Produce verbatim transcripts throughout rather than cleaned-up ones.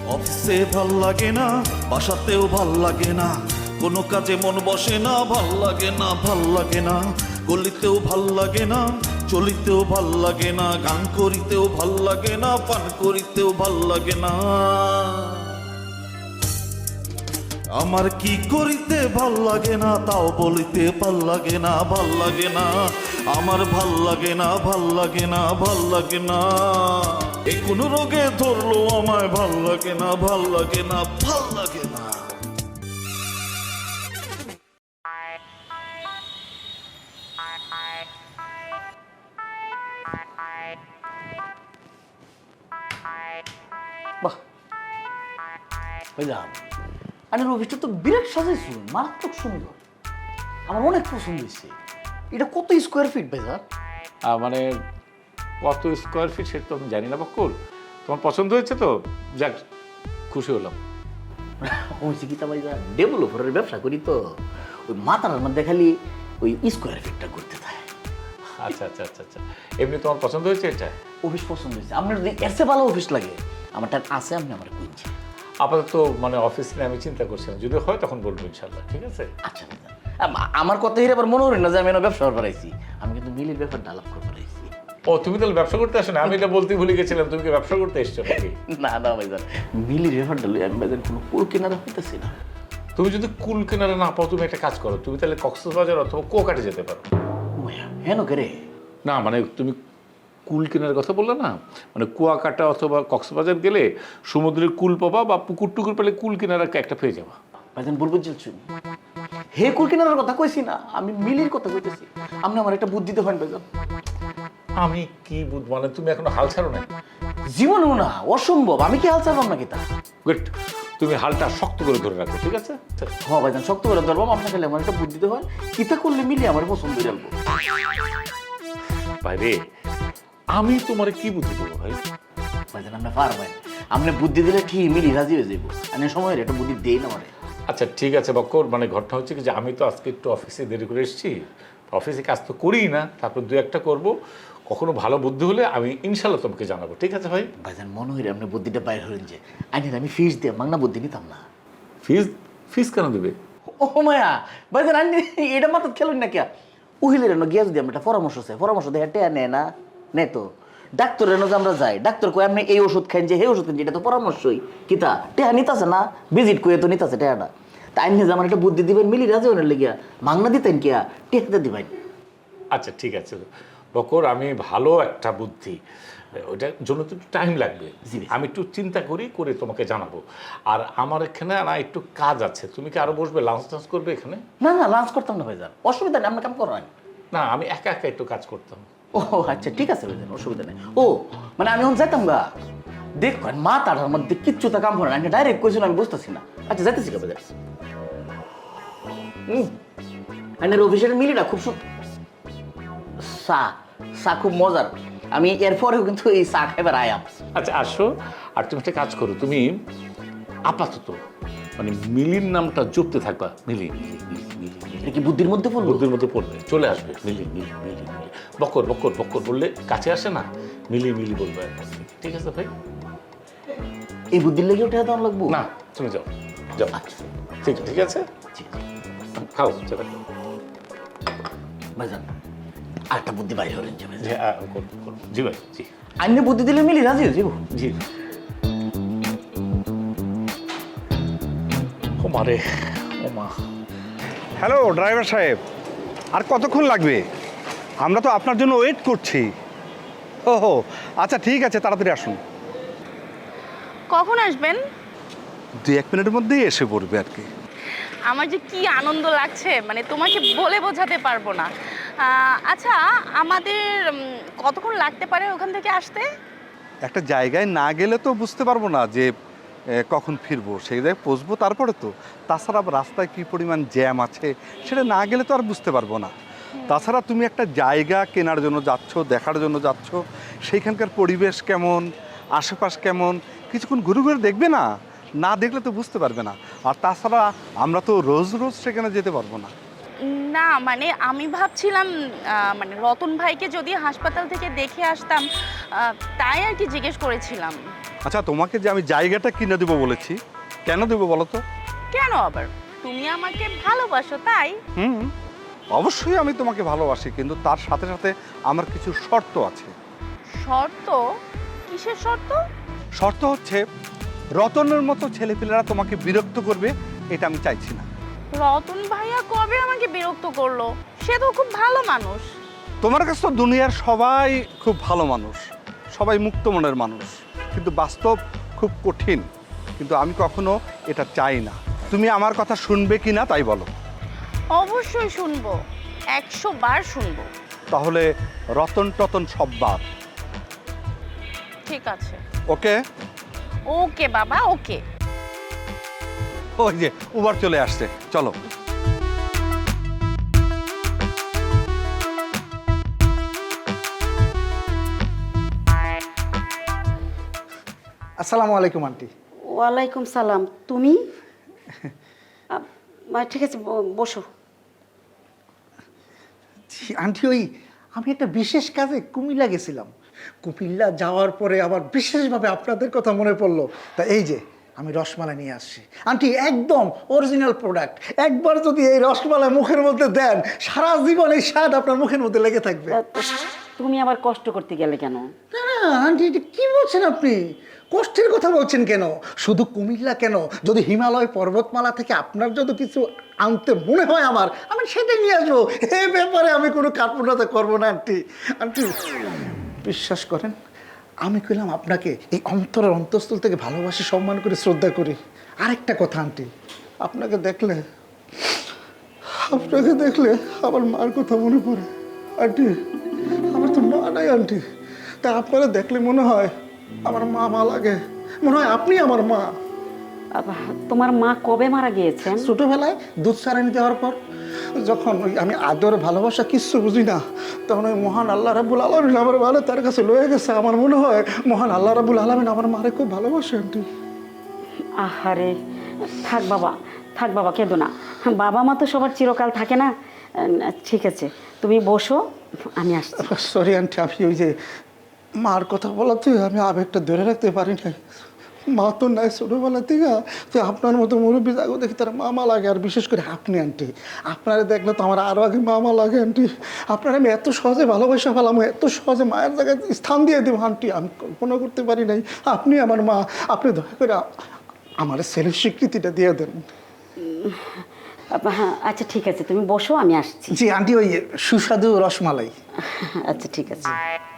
অফিসে ভাল লাগে না, বাসাতেও ভাল লাগে না, কোনো কাজে মন বসে না, ভাল লাগে না, ভাল লাগে না, গলিতেও ভাল লাগে না, চলিতেও ভাল লাগে না, গান করিতেও ভাল লাগে না, পান করিতেও ভাল লাগে না। আমার কি করিতে ভাল লাগে না, তাও বলিতে ভাল লাগে না, ভাল লাগে না, আমার ভাল লাগে না, ভাল লাগে না, ভাল লাগে না। এ কোন রোগে ধরলো আমায়, ভাল লাগে না, ভাল লাগে না, ভাল লাগে না। বাহ ভাইজান, আনের অফিসটা তো বিরাট সাজাইছিল, মারাত্মক সুন্দর, আমার অনেক পছন্দ হয়েছে। এটা কত স্কোয়ার ফিট ভাইজান? মানে কত স্কোয়ার ফিট সেটা তো আমি জানি না বকুল, তোমার পছন্দ হয়েছে তো যাক, খুশি হলাম। হয়েছে কি তা ভাইজান, ডেভেলপারের ব্যবসা করি তো, ওই মাথার মধ্যে খালি ওই স্কোয়ার ফিটটা করতে থাকে। আচ্ছা আচ্ছা আচ্ছা আচ্ছা, এমনি তোমার পছন্দ হয়েছে এটা? অফিস পছন্দ হয়েছে। আপনার যদি এর চেয়ে ভালো অফিস লাগে আমার টাইম আছে, আপনি আমার কিনছি। আপাতত মানে অফিস নিয়ে আমি চিন্তা করছিলাম, যদি হয় তখন বলবো ইনশাল্লাহ, ঠিক আছে? আচ্ছা ভাইজান, আম- আমার কথা হিরে আবার মনে হয় না যে আমি এনে ব্যবসা করতে পারাইছি, আমি কিন্তু মিলের ব্যাপারটা আলাপ করতে পারাইছি। ও তুমি তাহলে ব্যবসা করতে আসো না? আমি এটা বলতে ভুলে গেছিলাম, তুমি কি ব্যবসা করতে এসছো নাকি? না না ভাইজান, মিলের ব্যাপারটা লই আমি ভাইজান কোনো কুল কেনারা হইতেছি না। তুমি যদি কুল কেনারে না পাও, তুমি একটা কাজ করো, তুমি তাহলে কক্সবাজার অথবা কুয়াকাটে যেতে পারো। হেন করে না মানে তুমি কুল কেনার কথা বললে না, মানে কুয়াকাটা অথবা কক্সবাজার গেলে সমুদ্রের কুল পাবা, বা পুকুর টুকুর পেলে কুল কেনার একটা পেয়ে যাবা। ভাইজান বলবো চলছুন, হে কুল কেনার কথা কইছি না, আমি মিলের কথা কইতেছি। আপনি আমার একটা বুদ্ধি দেবেন ভাইজান। আমি কি বুঝ, মানে তুমি এখনো হাল ছাড়ো না? জীবনেও না, অসম্ভব, আমি কি হাল ছাড়বাম না কিতা? গুড, তুমি হালটা শক্ত করে ধরে রাখো, ঠিক আছে? হ ভাইজান, শক্ত করে ধরবাম, আপনার খালি আমার একটা বুদ্ধি দেবেন, কিতা করলে মিলে আমার পছন্দ জানবো। ভাই রে, আমি তোমার কি বুদ্ধি দেবো ভাই? ভাইজান আপনি পারবেন, আপনি বুদ্ধি দিলে ঠিক মিলি রাজি হয়ে যাবো, আমি সময় একটা বুদ্ধি দেই না আমারে। আচ্ছা ঠিক আছে বক্কর, মানে ঘটনা হচ্ছে কি যে আমি তো আজকে একটু অফিসে দেরি করে এসেছি, অফিসে কাজ তো করিই না, তারপর দু একটা করবো, কখনো ভালো বুদ্ধি হলে আমি ইনশাল্লাহ তোমাকে জানাবো, ঠিক আছে ভাই? ভাইজান মনে হয় আপনি বুদ্ধিটা বাইর হলেন যে, আইনের আমি ফিস দিয়ে মাংনা বুদ্ধি নিতাম না। ফিস ফিস কেন দেবে? ও মায়া ভাইজান, আইনি এটা মাত্র খেলেন না কে উহিলের গিয়া যদি আমরা একটা পরামর্শ চাই, পরামর্শ দেখে টেয়া নেয় না, নেই তো ডাক্তারের যে আমরা যাই, ডাক্তার কই আপনি এই ওষুধ খাইন যে, হে ওষুধ খাইন, এটা তো পরামর্শই কিতা টেয়া নিতাছে না, ভিজিট করে তো নিতাছে টেয়াটা। তাই নিয়ে আমার একটা বুদ্ধি দিবেন, মিলি রাজি হনের লেগিয়া মাংনা দিতেন কিয়া টেয়াতে দিবেন। আচ্ছা ঠিক আছে বকর, আমি ভালো একটা বুদ্ধি, ওইটার জন্য তো একটু টাইম লাগবে, আমি একটু চিন্তা করি, করে তোমাকে জানাবো। আর আমার এখানে না একটু কাজ আছে, তুমি কি আরো বসবে, লাঞ্চ টাঞ্চ করবে এখানে? না না, লাঞ্চ করতাম না ভাইজান, অসুবিধা নেই, আপনার কাম করেন। না আমি একা একা একটু কাজ করতাম। ও আচ্ছা ঠিক আছে ভাইজান, অসুবিধা নেই। ও মানে আমি এখন যাইতাম গা, দেখবেন মা তার মধ্যে কিচ্ছু তা কাম করে না, ডাইরেক্ট কইছিল আমি বুঝতেছি না। আচ্ছা যাইতেছি কা ভাইজান। হুম আইনের অফিসের মিলিটা খুব সুন্দর, চা চা খুব মজার, আমি এরপরেও কিন্তু এই চা খাইবার আয়াম। আচ্ছা আসো, আর তুমি একটা কাজ করো, তুমি আপাতত মানে মিলির নামটা জপতে থাকবা, মিলি মিলি মিলি মিলি মিলি। এটা কি বুদ্ধির মধ্যে পড়লো? বুদ্ধির মধ্যে পড়বে, চলে আসবে মিলি মিলি মিলি মিলি। বকর বকর বকর বললে কাছে আসে না, মিলি মিলি বলবে একবার। ঠিক আছে ভাই? এই বুদ্ধির লেগে উঠে দেওয়া লাগবো না তুমি যাও যাও, আচ্ছা ঠিক ঠিক আছে, ঠিক খাও চলে খাও। ভাইজান আরেকটা বুদ্ধি বাইরে হলেন যে ভাইজান, জি আ, করবো, করবো। জি ভাই জি আইনে বুদ্ধি দিলে মিলি রাজি হয়ে যাবো। জি। ও মারে, ও মা। হ্যালো ড্রাইভার সাহেব, আর কতক্ষণ লাগবে? আমরা তো আপনার জন্য ওয়েট করছি। ও হো আচ্ছা ঠিক আছে, তাড়াতাড়ি আসুন। কখন আসবেন? দু এক মিনিটের মধ্যেই এসে পড়বে আর কি। আমার যে কি আনন্দ লাগছে, মানে তোমাকে বলে বোঝাতে পারবো না। আহ, আচ্ছা আমাদের উম, কতক্ষণ লাগতে পারে ওখান থেকে আসতে? একটা জায়গায় না গেলে তো বুঝতে পারবো না যে এ, কখন ফিরবো, সেই জায়গায় পৌঁছবো তারপরে তো। তাছাড়া আবার রাস্তায় কী পরিমাণ জ্যাম আছে সেটা না গেলে তো আর বুঝতে পারবো না। তাছাড়া তুমি একটা জায়গা কেনার জন্য যাচ্ছ, দেখার জন্য যাচ্ছ, সেইখানকার পরিবেশ কেমন, আশেপাশ কেমন, কিছুক্ষণ ঘুরে ঘুরে দেখবে না, না দেখলে তো বুঝতে পারবে না। আর তাছাড়া আমরা তো রোজ রোজ সেখানে যেতে পারবো না। না মানে আমি ভাবছিলাম আহ, মানে রতন ভাইকে যদি হাসপাতাল থেকে দেখে আসতাম, আহ, তাই আর কি জিজ্ঞেস করেছিলাম। আচ্ছা তোমাকে যে আমি জায়গাটা কিনে দেবো বলেছি, কেন দেবো বলো তো? কেন আবার? তুমি আমাকে ভালোবাসো তাই? হুম, অবশ্যই আমি তোমাকে ভালোবাসি, কিন্তু তার সাথে সাথে আমার কিছু শর্ত আছে। শর্ত? কিসের শর্ত? শর্ত হচ্ছে রতনের মতো ছেলেপিলেরা তোমাকে বিরক্ত করবে, এটা আমি চাইছি না। রতন ভাইয়া কবে আমাকে বিরক্ত করলো? সে তো খুব ভালো মানুষ। তোমার কাছে তো দুনিয়ার সবাই খুব ভালো মানুষ, সবাই মুক্ত মনের মানুষ, কিন্তু বাস্তব খুব কঠিন। কিন্তু আমি কখনো এটা চাই না। তুমি আমার কথা শুনবে কি না তাই বলো। অবশ্যই শুনবো, একশো বার শুনবো। তাহলে রতন টতন সব বাদ। ঠিক আছে। ওকে? ওকে বাবা, ওকে। ওই যে উবার চলে আসছে, চলো। আসসালামু আলাইকুম আন্টি। ওয়ালাইকুম সালাম। তুমি আ, মা- ঠিক আছে, ব- বসো। জি আন্টি, ওই আমি একটা বিশেষ কাজে কুমিল্লা গেছিলাম। কুমিল্লা যাওয়ার পরে আবার বিশেষভাবে আপনাদের কথা মনে পড়লো, তা এই যে আমি রসমালাই নিয়ে আসছি আন্টি, একদম অরিজিনাল প্রোডাক্ট। একবার যদি এই রসমালাই মুখের মধ্যে দেন, সারা জীবন এই স্বাদ আপনার মুখের মধ্যে লেগে থাকবে। তা- তা- তুমি আবার কষ্ট করতে গেলে কেন? না না আন্টি, এটা কি বলছেন আপনি? কষ্টের কথা বলছেন কেন? শুধু কুমিল্লা কেন, যদি হিমালয় পর্বতমালা থেকে আপনার যদি কিছু আনতে মনে হয় আমার, আমি সেটাই নিয়ে আসবো। এ ব্যাপারে আমি কোনো কার্পণ্যতা করবো না আন্টি। আন্টি বিশ্বাস করেন, আমি কইলাম আপনাকে এই অন্তরের অন্তঃস্থল থেকে ভালোবাসি, সম্মান করে, শ্রদ্ধা করি। আরেকটা কথা আন্টি, আপনাকে দেখলে আপনাকে দেখলে আমার মার কথা মনে পড়ে আন্টি। আমার তো মা নাই আন্টি, তা আপনারা দেখলে মনে হয় আমার মা মা লাগে, মনে হয় আপনি আমার মা। আবা, তোমার মা কবে মারা গিয়েছেন? ছোটোবেলায় দুধ সারানি দেওয়ার পর, যখন ওই আমি আদর ভালোবাসা কিচ্ছু বুঝি না, তখন ওই মহান আল্লাহ রাব্বুল আলামিন আমার ভালো তার কাছে লয়ে গেছে। আমার মনে হয় মহান আল্লাহ রাব্বুল আলামিন আমার মারে খুব ভালোবাসে আন্টি। আহারে, থাক বাবা, থাক বাবা, কেঁদো না। বাবা মা তো সবার চিরকাল থাকে না। ঠিক আছে, তুমি বসো, আমি আসছি। সরি আন্টি, আমি ওই যে মার কথা বলাতে আমি আবেগটা ধরে রাখতে পারি না। মা তো নাই ছোটোবেলা থেকে, তো আপনার মতো মুরব্বী জাগো দেখি তার মামা লাগে, আর বিশেষ করে আপনি আন্টি, আপনারা দেখলে তো আমার আরও আগে মামা লাগে আন্টি। আপনারা আমি এত সহজে ভালোবাসা ফেলাম, এত সহজে মায়ের জায়গায় স্থান দিয়ে দেবো আন্টি, আমি কল্পনা করতে পারি নাই। আপনি আমার মা, আপনি দয়া করে আমার ছেলের স্বীকৃতিটা দিয়ে দেন। আবা, হ্যাঁ, আচ্ছা ঠিক আছে, তুমি বসো, আমি আসছি। জি আন্টি, ওই সুস্বাদু রসমালাই। আচ্ছা ঠিক আছে।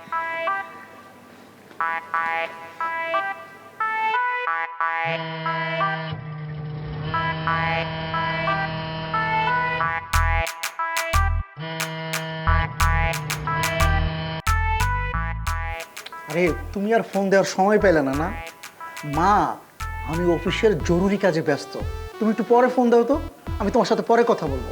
আরে তুমি আর ফোন দেওয়ার সময় পেলে না না? মা, আমি অফিসের জরুরি কাজে ব্যস্ত, তুমি একটু পরে ফোন দাও তো, আমি তোমার সাথে পরে কথা বলবো।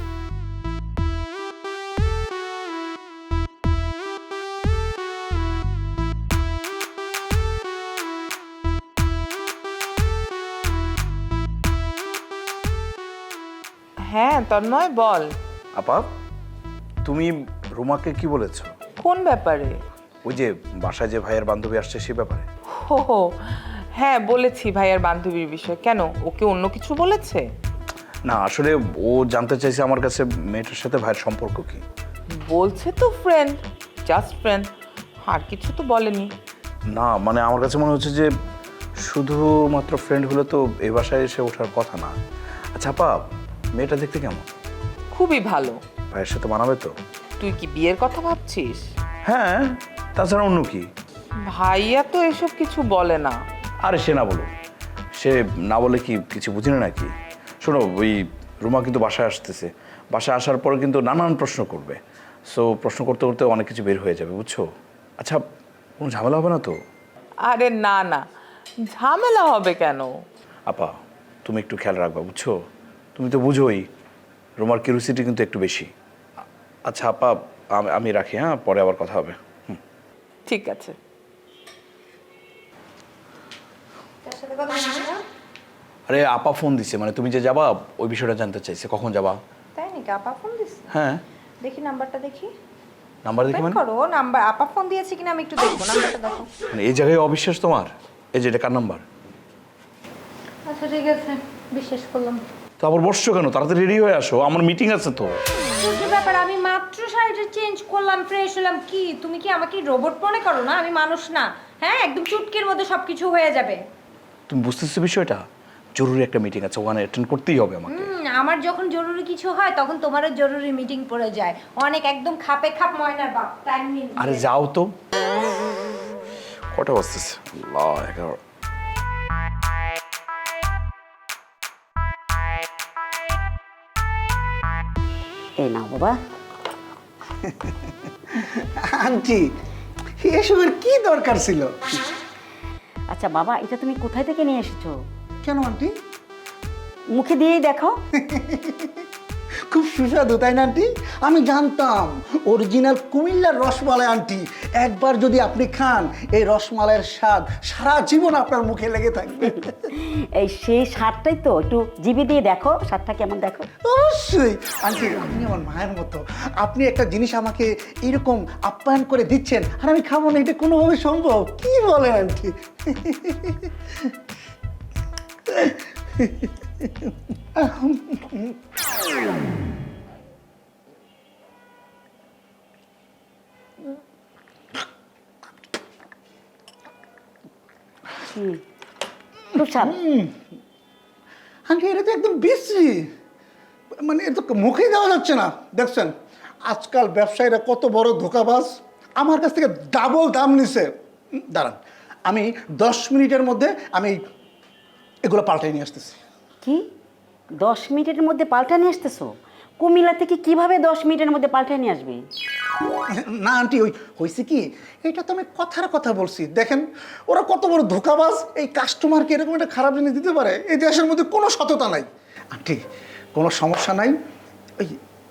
হ্যাঁ তন্ময়, বল। আপা, তুমি রুমাকে কি বলেছো? কোন ব্যাপারে? ওই যে বাসায় যে ভাইয়ের বান্ধবী আসছে সে ব্যাপারে। হো হো, হ্যাঁ বলেছি ভাইয়ার বান্ধবীর বিষয়। কেন, ওকে অন্য কিছু বলেছে? না আসলে ও জানতে চাইছে আমার কাছে মেয়েটার সাথে ভাইয়ের সম্পর্ক কি। বলছে তো ফ্রেন্ড, জাস্ট ফ্রেন্ড, আর কিছু তো বলেনি। না মানে আমার কাছে মনে হচ্ছে যে শুধুমাত্র ফ্রেন্ড হলে তো এই বাসায় এসে ওঠার কথা না। আচ্ছা আপা, মেয়েটা দেখতে কেমন? খুবই ভালো। ভাইয়ের সাথে মানাবে তো? তুই কি বিয়ের কথা ভাবছিস? হ্যাঁ, তাছাড়া অন্য কি? ভাইয়া তো এসব কিছু বলে না। আরে সে না বলো, সে না বলে কি কিছু বুঝি না নাকি? শোনো, ওই রুমা কিন্তু বাসায় আসতেছে, বাসায় আসার পরে কিন্তু নানান প্রশ্ন করবে। সো প্রশ্ন করতে করতে অনেক কিছু বের হয়ে যাবে, বুঝছো? আচ্ছা, কোনো ঝামেলা হবে না তো? আরে না না, ঝামেলা হবে কেন? আপা তুমি একটু খেয়াল রাখবা, বুঝছো? তুমি তো বুঝোই রুমার কিউরিসিটি কিন্তু একটু বেশি। আচ্ছা আপা, আমি- আমি রাখি, হ্যাঁ, পরে আবার কথা হবে। হুম। ঠিক আছে। আরে আপা ফোন দিছে, মানে তুমি যে যাবা ওই বিষয়টা জানতে চাইছে, কখন যাবা? তাই নাকি? আপা ফোন দিছে? হ্যাঁ। দেখি নাম্বারটা দেখি। নাম্বার দেখি ওয়েট মানে? করো, নাম্বার আপা ফোন দিয়েছে কিনা আমি একটু দেখবো। নাম্বারটা দেখো। মানে এই জায়গায় অবিশ্বাস তোমার? এই যে এটা কার নাম্বার? আচ্ছা ঠিক আছে, বিশ্বাস করলাম। তো আবার বসছো কেন? তাড়াতাড়ি রেডি হয়ে আসো, আমার মিটিং আছে তো। কি ব্যাপার, আমি মাত্র শাড়িটা চেঞ্জ করলাম, ফ্রেশ হলাম। কি তুমি কি আমাকে রোবট মনে করো না? আমি মানুষ না? হ্যাঁ, একদম চুটকির মধ্যে সব কিছু হয়ে যাবে। তুমি বুঝতেছো বিষয়টা? জরুরি একটা মিটিং আছে, ওখানে অ্যাটেন্ড করতেই হবে আমাকে। হুম, আমার যখন জরুরি কিছু হয় তখন তোমারও জরুরি মিটিং পড়ে যায়। অনেক একদম খাপে খাপ ময়নার বাপ টাইম নিন। আরে যাও তো। কটা বাজতেছে? আল্লাহ, এগারো। এই নাও বাবা। আন্টি এসবের কি দরকার ছিল? আচ্ছা বাবা, এটা তুমি কোথায় থেকে নিয়ে এসেছো? কেন আন্টি? মুখে দিয়েই দেখো। খুব সুস্বাদু তাই না আন্টি? আমি জানতাম অরিজিনাল কুমিল্লার রসমালাই আন্টি। একবার যদি আপনি খান এই রসমালাইয়ের স্বাদ সারা জীবন আপনার মুখে লেগে থাকবে। এই সেই স্বাদটাই তো, একটু জিভে দিয়ে দেখো স্বাদটা কেমন, দেখো। অবশ্যই আন্টি, আপনি আমার মায়ের মতো। আপনি একটা জিনিস আমাকে এরকম আপ্যায়ন করে দিচ্ছেন আর আমি খাবো না, এটা কোনোভাবে সম্ভব? কি বলেন আন্টি? হুম, খুব স্বাদ। আন্টি এটা তো একদম বিশ্রী, মানে এটা তো মুখেই দেওয়া যাচ্ছে না। দেখছেন আজকাল ব্যবসায়ীরা কত বড় ধোঁকাবাজ, আমার কাছ থেকে ডাবল দাম নিছে। উম, দাঁড়ান, আমি দশ মিনিটের মধ্যে আমি এগুলো পাল্টাই নিয়ে আসতেছি। কি দশ মিনিটের মধ্যে পাল্টা নিয়ে আসতেছো? কুমিল্লা থেকে কিভাবে দশ মিনিটের মধ্যে পাল্টা নিয়ে আসবে? না আন্টি, ওই হয়েছে কি, এটা তো আমি কথার কথা বলছি। দেখেন ওরা কত বড় ধোঁকাবাজ, এই কাস্টমারকে এরকম একটা খারাপ জিনিস দিতে পারে। এই দেশের মধ্যে কোনো সততা নাই। আন্টি কোনো সমস্যা নাই, ওই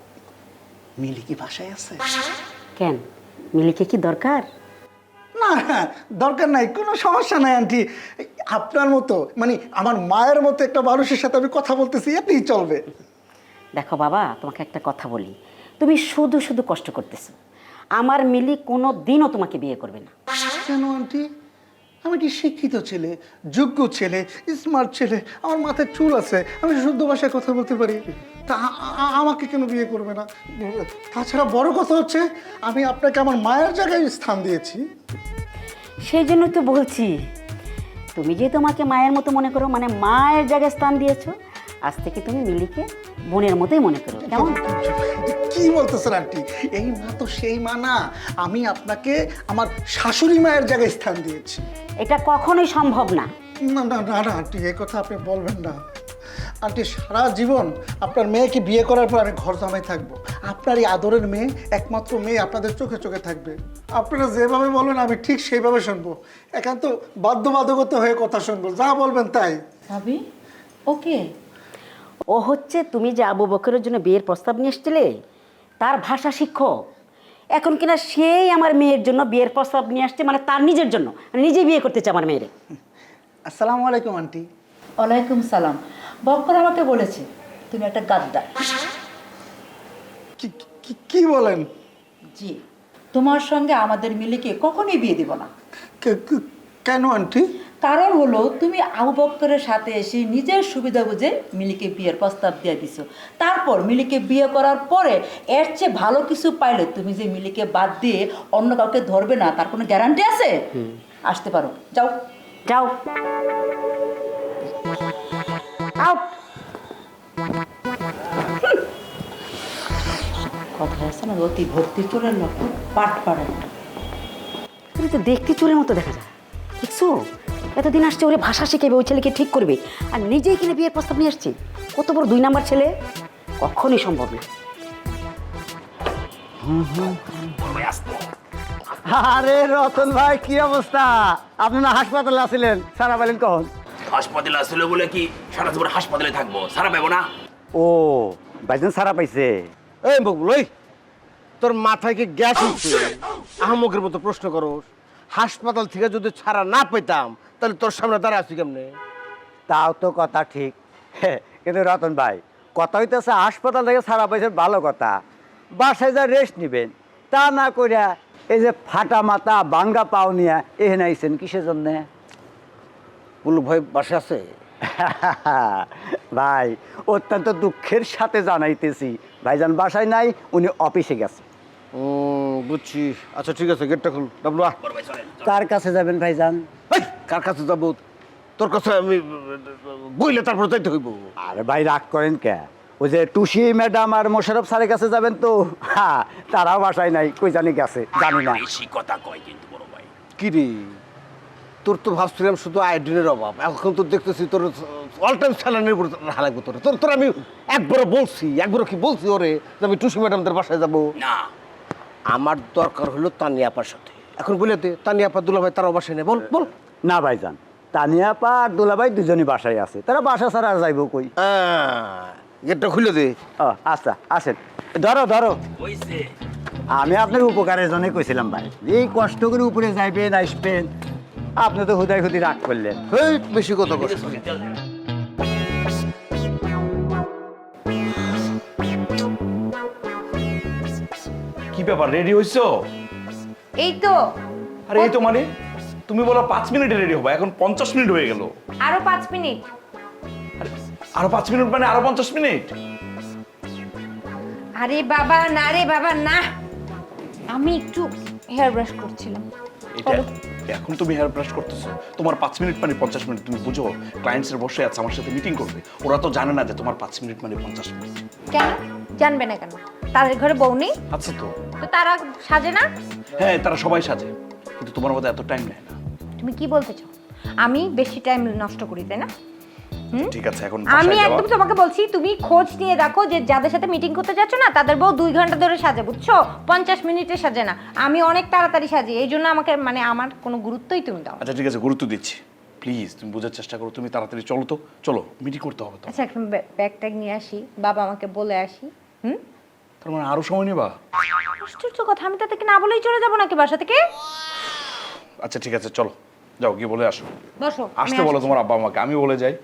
মিলি কি বাসায় আছে? কেন, মিলিকে কি দরকার? না দরকার নাই, কোনো সমস্যা নাই আন্টি। আপনার মতো মানে আমার মায়ের মতো একটা মানুষের সাথে আমি কথা বলতেছি, এটাই চলবে। দেখো বাবা, তোমাকে একটা কথা বলি, তুমি শুধু শুধু কষ্ট করতেছো। আমার মিলি কোনো দিনও তোমাকে বিয়ে করবে না। কেন আন্টি? আমি কি শিক্ষিত ছেলে, যোগ্য ছেলে, স্মার্ট ছেলে, আমার মাথায় চুল আছে, আমি শুদ্ধ ভাষায় কথা বলতে পারি, তা আ- আ- আমাকে কেন বিয়ে করবে না? তাছাড়া বড় কথা হচ্ছে আমি আপনাকে আমার মায়ের জায়গায় স্থান দিয়েছি। সেই জন্যই তো বলছি, তুমি যে তোমাকে মায়ের মতো মনে করো, মানে মায়ের জায়গায় স্থান দিয়েছো, আজ থেকে তুমি মিলিকে বোনের মতোই মনে করো, কেমন? কি বলতেছেন আন্টি? এই মা তো সেই মা না, আমি আপনাকে আমার শাশুড়ি মায়ের জায়গায় স্থান দিয়েছি। এটা কখনোই সম্ভব না। না না না না আন্টি, এই কথা আপনি বলবেন না আন্টি। সারা জীবন আপনার মেয়েকে বিয়ে করার পর আমি ঘর জামাই থাকবো। আপনার এই আদরের মেয়ে, একমাত্র মেয়ে আপনাদের চোখে চোখে থাকবে। আপনারা যেভাবে বলবেন আমি ঠিক সেইভাবে শুনবো। একান্ত বাধ্যবাধকতা হয়ে কথা শুনবো, যা বলবেন তাই। ভাবি ওকে, ও হচ্ছে তুমি যে আবু বকরের জন্য বিয়ের প্রস্তাব নিয়ে এসেছিলে তার ভাষা শিক্ষক। এখন কিনা সেই আমার মেয়ের জন্য বিয়ের প্রস্তাব নিয়ে আসছে, মানে তার নিজের জন্য, মানে নিজে বিয়ে করতে চায় আমার মেয়েরে। আসসালামু আলাইকুম আন্টি। ওয়ালাইকুম সালাম। বক্কর আমাকে বলেছে তুমি একটা গাদ্দার। কি- কি- কি বলেন? জি, তোমার সঙ্গে আমাদের মিলিকে কখনোই বিয়ে দিব না। কে- কে- কেন আন্টি? কারণ হলো তুমি আবু বক্করের সাথে এসে নিজের সুবিধা বুঝে মিলিকে বিয়ের প্রস্তাব দিয়ে দিছো। তারপর মিলিকে বিয়ে করার পরে এর চেয়ে ভালো কিছু পাইলে তুমি যে মিলিকে বাদ দিয়ে অন্য কাউকে ধরবে না তার কোনো গ্যারান্টি আছে? আসতে পারো, যাও যাও আউট। কথা আছে না, অতি ভক্তি চোরের লক্ষ্য পাঠ পাড়ে না। তুমি তো দেখতে চোরের মতো দেখা যায়, দেখছো? এতদিন আসছে ওরে ভাষা শিখাবে, ওই ছেলেকে ঠিক করবে, আর নিজেই কিনে বিয়ের প্রস্তাব নিয়ে আসছে। কত বড় দুই নাম্বার ছেলে, কখনই সম্ভব না। আরে রতন ভাই, কি অবস্থা? আপনি না হাসপাতালে আছিলেন, সারা পেলেন কখন? হাসপাতালে আসলে বলে কি সারা জীবন হাসপাতালে থাকবো? সারা পাবো না? ও ভাইজান সারা পাইছে। এই বকুল, ওই তোর মাথায় কি গ্যাস উঠছে? আহমকের মতো প্রশ্ন করো। হাসপাতাল থেকে যদি ছাড়া না পেতাম তাহলে তোর সামনে দাঁড়া আছি কেমনে? তাও তো কথা ঠিক, কিন্তু রতন ভাই কথা হইতেছে হাসপাতাল থেকে ছাড়া পাইছে ভালো কথা, বাসায় যা রেস্ট নিবেন তা না কইরা এই যে ফাটা মাথা ভাঙ্গা পাও নিয়ে এখানে আইছেন কিসের জন্যে? বুলু ভাই বাসা আছে? ভাই অত্যন্ত দুঃখের সাথে জানাইতেছি ভাইজান বাসায় নাই, উনি অফিসে গেছে। ও বুঝছি। আচ্ছা ঠিক আছে, গেটটা খুল। ডাবলু আ। কার কাছে যাবেন ভাইজান? এই, কার কাছে যাবো? তোর কাছে আমি বইলে তারপর যাইতে হইব। আরে ভাই রাগ করেন কে? ওই যে টুসি ম্যাডাম আর মোশারফ স্যারের কাছে যাবেন তো? হ্যাঁ, তারাও বাসায় নাই, কই জানি গেছে, জানি না। বেশি কথা কয় কিন্তু বড় ভাই। কি রে, তোর তো ভাবছিলাম শুধু আয়োডিনের অভাব, এখন তো দেখতেছি তোর অল টাইম স্যালারির উপর হালাকবো তোর। তোর তোর আমি একবারও বলছি, একবারও কি বলছি ওরে যে আমি টুসি ম্যাডামদের বাসায় যাবো? না, আমার দরকার হলো তানিয়া আপার সাথে। এখন বলে দে, তানিয়া আপা দুলাভাই তারাও বাসায় নেই, বল বল। না ভাইজান, তানিয়া আপা আর দুলাভাই দুজনই বাসায় আছে, তারা বাসা ছাড়া আর যাইব কই? গেটটা খুলে দে। ও আচ্ছা, আসেন, ধরো ধরো। আমি আপনার উপকারের জন্য কইছিলাম ভাই, এই কষ্ট করে উপরে যাইবেন আসবেন, আপনি তো হুদাই হুদি রাগ করলেন। এই বেশি কথা বল। কি ব্যাপার, রেডি হইছো? এই তো আরে এই তো মানে তুমি বলো পাঁচ মিনিটে রেডি হবো, এখন পঞ্চাশ মিনিট হয়ে গেল। আরো পাঁচ মিনিট। আরো পাঁচ মিনিট মানে আরো পঞ্চাশ মিনিট? আরে বাবা না রে বাবা না, আমি একটু হেয়ার ব্রাশ করছিলাম। এটা এখন তুমি হেয়ার ব্রাশ করতেছো, তোমার পাঁচ মিনিট মানে পঞ্চাশ মিনিট। তুমি বুঝো, ক্লায়েন্টসের বসে আছে আমার সাথে মিটিং করবে, ওরা তো জানে না যে তোমার পাঁচ মিনিট মানে পঞ্চাশ মিনিট। কেন জানবে না কেন? তাদের ঘরে বউ নেই? আচ্ছা তো তো তারা সাজে না? হ্যাঁ, তারা সবাই সাজে, কিন্তু তোমার মধ্যে এত টাইম নেয় না। তুমি কি বলতে চাও? আমি বেশি টাইম নষ্ট করি, তাই না? ঠিক আছে, এখন আমি একদম তোমাকে বলছি, তুমি খোঁজ নিয়ে দেখো যে যাদের সাথে মিটিং করতে যাচ্ছ না তাদের বউ দুই ঘন্টা ধরে সাজে, বুঝছো? পঞ্চাশ মিনিটে সাজে না, আমি অনেক তাড়াতাড়ি সাজি, এই জন্য আমাকে মানে আমার কোনো গুরুত্বই তুমি দাও। আচ্ছা ঠিক আছে, গুরুত্ব দিচ্ছি, প্লিজ তুমি বোঝার চেষ্টা করো। তুমি তাড়াতাড়ি চলো তো, চলো মিটিং করতে হবে তো। আচ্ছা এখন ব্যাগ ট্যাগ নিয়ে আসি, বাবা আমাকে বলে আসি। হুম, তার মানে আরো সময় নেবা? আশ্চর্য কথা, আমি তাদেরকে না বলেই চলে যাবো নাকি বাসা থেকে? আচ্ছা ঠিক আছে, চলো যাও, গিয়ে বলে আসো। বসো, আমি আসতে বলো আসছি। তোমার আব্বা আমাকে, আমি বলে যাই।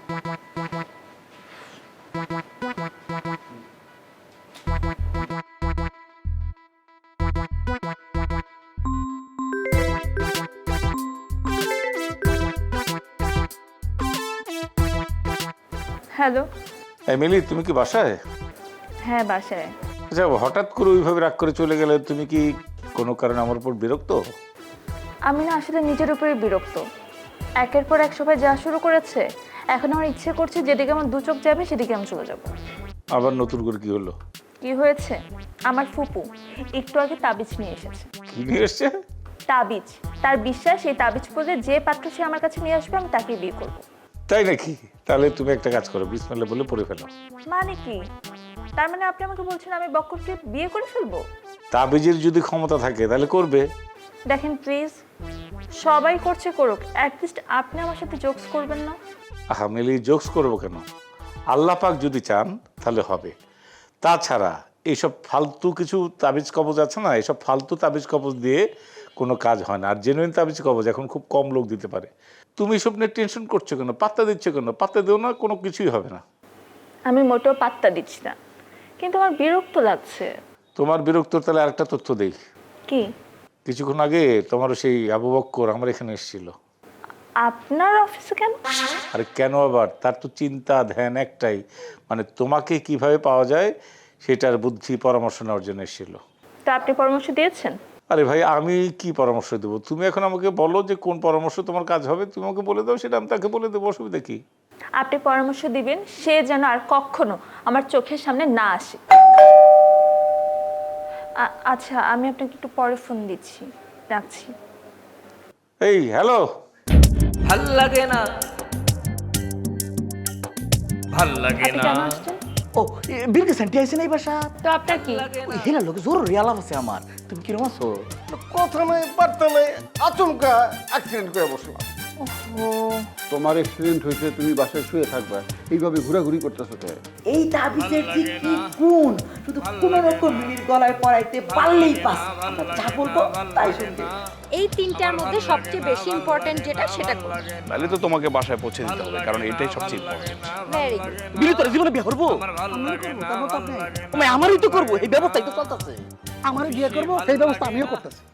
হ্যালো। এমিলি, তুমি কি বাসায়? হ্যাঁ বাসায়। আচ্ছা, হঠাৎ করে ওইভাবে রাগ করে চলে গেলে, তুমি কি কোনো কারণে আমার উপর বিরক্ত? আমি না আসলে নিজের উপরে বিরক্ত, একের পর এক সবাই যা শুরু করেছে, এখন আমার ইচ্ছে করছে যেদিকে আমার দু চোখ যাবে সেদিকে আমি চলে যাব। আবার নতুন করে কি হলো? কি হয়েছে? আমার ফুপু একটু আগে তাবিজ নিয়ে এসেছে। কি নিয়ে এসছে? তাবিজ। তার বিশ্বাস এই তাবিজ পড়লে যে পাত্র সে আমার কাছে নিয়ে আসবে আমি তাকেই বিয়ে করব। তাই নাকি? তাহলে তুমি একটা কাজ করো, বিসমিল্লাহ বলে পড়ে ফেলো। মানে কি? তার মানে আপনি আমাকে বলছেন আমি বক্করকে বিয়ে করে ফেলবো? তাবিজের যদি ক্ষমতা থাকে তাহলে করবে। দেখেন প্লিজ, সবাই করছে করুক, অ্যাটলিস্ট আপনি আমার সাথে জোকস করবেন না? আহা মিলি, জোকস করবো কেন? আল্লাহ পাক যদি চান তাহলে হবে। তাছাড়া এইসব ফালতু কিছু তাবিজ কবজ আছে না, এইসব ফালতু তাবিজ কবজ দিয়ে কোনো কাজ হয় না। আর জেনুইন তাবিজ কবজ এখন খুব কম লোক দিতে পারে। তুমি এসব নিয়ে টেনশন করছো কেন? পাত্তা দিচ্ছ কেন? পাত্তা দিও না, কোনো কিছুই হবে না। আমি মোটেও পাত্তা দিচ্ছি না, কিন্তু আমার বিরক্ত লাগছে। তোমার বিরক্তর তাহলে আরেকটা তথ্য দেই। কি? কিছুক্ষণ আগে তোমার সেই আবু বক্কর আমার এখানে এসেছিল। আপনার অফিসে কেন? আরে কেন আবার? তার তো চিন্তা ধ্যান একটাই, মানে তোমাকে কিভাবে পাওয়া যায় সেটার বুদ্ধি পরামর্শ নেওয়ার জন্য এসেছিল। তা আপনি পরামর্শ দিয়েছেন? আরে ভাই, আমি কি পরামর্শ দেবো? তুমি এখন আমাকে বলো যে কোন পরামর্শ তোমার কাজ হবে, তুমি আমাকে বলে দাও, সেটা আমি তাকে বলে দেবো, অসুবিধা কি? আপনি পরামর্শ দিবেন সে যেন আর কখনো আমার চোখের সামনে না আসে। আ- আচ্ছা, আমি আপনাকে একটু পরে ফোন দিচ্ছি, রাখছি। এই হ্যালো। ভাল লাগে না, ভাল লাগে আপনি না। কেন আসছেন? ও বীর গেছেন টিআইসি নাই বাসা? তো আপনার কি? ওই হেলা লোক জরুরি আলাপ আছে আমার। তুমি কিরকম আছো? কথা নাই বার্তা নাই, আচমকা অ্যাক্সিডেন্ট করে বসলাম। ও তোমার অ্যাক্সিডেন্ট হয়েছে, তুমি বাসায় শুয়ে থাকবা, এইভাবে ঘোরাঘুরি করতেছো কে? এই তাবিজের ঠিক কি কোন শুধু কোনো রকম মিনির গলায় পড়াইতে পারলেই পাস, আমরা যা বলবো তাই শুনবে। এই তিনটার মধ্যে সবচেয়ে বেশি ইম্পর্টেন্ট যেটা সেটা করো। তাহলে তো তোমাকে বাসায় পৌঁছে দিতে হবে, কারণ এটাই সবচেয়ে ইম্পর্টেন্ট। Very good. বিলি তোর জীবনে বিয়ে করবো? আমারই তো করবো, এই ব্যবস্থাই তো চলতেছে। আমার বিয়ে করবো সেই ব্যবস্থা আমিও করতেছি।